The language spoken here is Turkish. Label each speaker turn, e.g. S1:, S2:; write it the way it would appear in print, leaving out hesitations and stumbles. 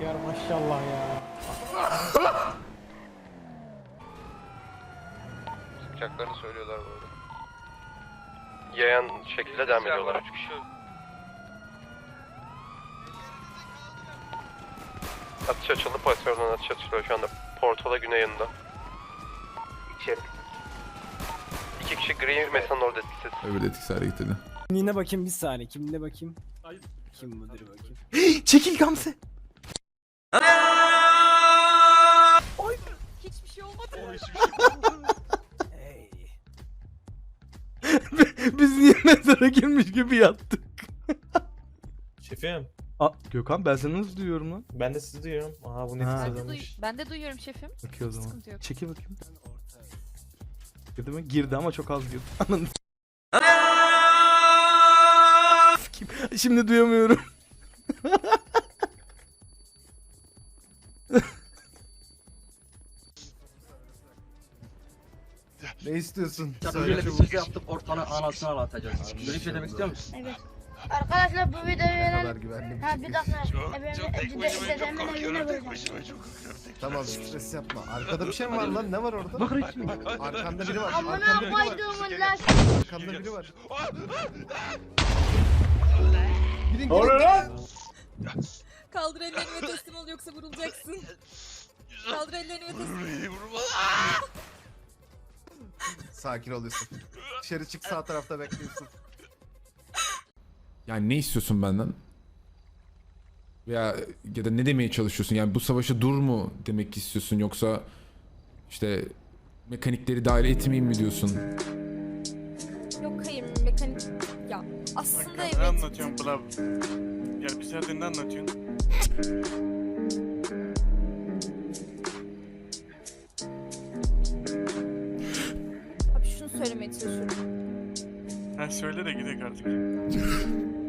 S1: Yar maşallah ya.
S2: Sıkacaklarını söylüyorlar bu arada. Yayan şekilde devam ediyorlar. 3 kişi. Atış açıldı, pozisyondan atış açılıyor şu anda. Portola güney yanında. İçeri. 2 kişi gri mesanın orada etkisiz.
S3: Öbür de etkisiz hareket edin.
S1: Kimliğine bakayım bir saniye. Kimliğine bakayım. Kim budur bakayım.
S3: Çekil Gamze.
S4: Hiçbir şey olmadı.
S1: Hey.
S3: Biz niye mezara girmiş gibi yattık?
S5: Şefim,
S3: Gökhan ben seni nasıl duyuyorum lan?
S5: ben de sizi duyuyorum. Aha bu
S3: Ha.
S5: nefis
S4: Ben de,
S5: adammış.
S4: ben de duyuyorum şefim.
S3: Okey o zaman.
S4: Sıkıntı yok.
S3: Çekil bakayım. Girdi mi? Girdi ama çok az girdi. Anladın. Şimdi duyamıyorum. Ne istiyorsun?
S6: Böyle bir şey yaptık ortanın anasını ağlatacağız. Böyle bir şey demek istiyor musun?
S7: Evet. Arkadaşlar bu videoyu
S3: Ne kadar
S7: verin.
S3: güvenli bir
S7: Ha
S3: şey.
S7: bir dakika. Dedemin evine böyle.
S8: Tamam stres yapma. Arkada bir şey mi var lan? Ne var orada?
S6: Bak resmi.
S8: Arkanda biri var.
S7: Amına
S8: Arkanda biri var.
S7: koyduğumun lan.
S8: Arkanda biri var.
S4: Kaldır ellerini ve teslim ol yoksa vurulacaksın. Kaldır ellerini ve teslim ol.
S8: Sakin ol Yusuf. Dışarı çık, sağ tarafta bekliyorsun.
S3: Yani ne istiyorsun benden? Ya da ne demeye çalışıyorsun? Yani bu savaşa dur mu demek istiyorsun, yoksa işte mekanikleri dahil etmeyeyim mi diyorsun?
S4: Yok hayır mekanik... Ya aslında
S9: Ne
S4: evet.
S9: anlatıyorsun bla? Ya bir saattir ne anlatıyorsun?
S4: Abi şunu söylemeye çalışıyorum.
S9: Ha söyle de gidelim artık.